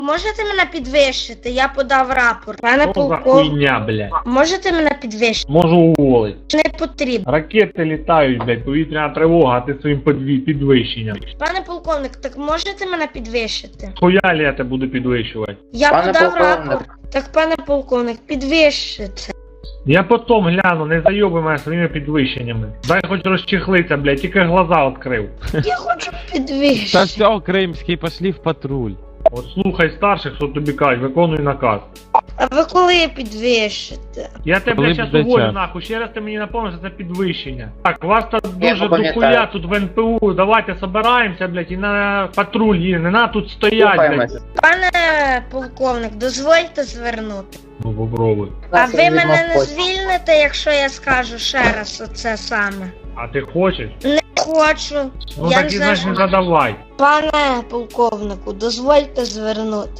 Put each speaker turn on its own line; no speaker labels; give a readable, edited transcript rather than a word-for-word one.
Можете мене підвищити? Я подав рапорт. Пане
Що за
полковник,
хуйня, блядь?
можете мене підвищити?
Можу уволити.
Не потрібно.
Ракети літають, блядь, повітряна тривога, а ти своїм підвищенням.
Пане полковник, так можете мене підвищити?
Хуялі я тебе буду підвищувати.
Я
Пане
подав
полковник.
рапорт. Так, пане полковник, підвищите.
Я потом гляну, не зайоби мене своїми підвищеннями. Дай хоч розчехлиться, блядь, тільки глаза відкрив.
Я хочу
Та
підвищити.
все, Кримський, пошли в патруль.
От слухай старших, що тобі кажуть, виконуй наказ.
А ви коли підвищите?
Я тебе,
Коли
блядь, щас
буде
уволю
час?
нахуй, ще раз ти мені напомниш, що це підвищення. Так, вас тут
Я
дуже
пам'ятаю.
дохуя тут в НПУ, давайте собираємося, блядь, і на патруль їдемо, не на тут стоять, блядь.
Слухаємося.
Пане полковник, дозвольте звернути.
Ну попробуй.
А ви мене не
Відмовкось.
звільните, якщо я скажу ще раз оце саме?
А ти хочеш?
Не хочу.
Ну
Я
так
не
і
знаю,
значить
що-
задавай.
Пане полковнику, дозвольте звернути.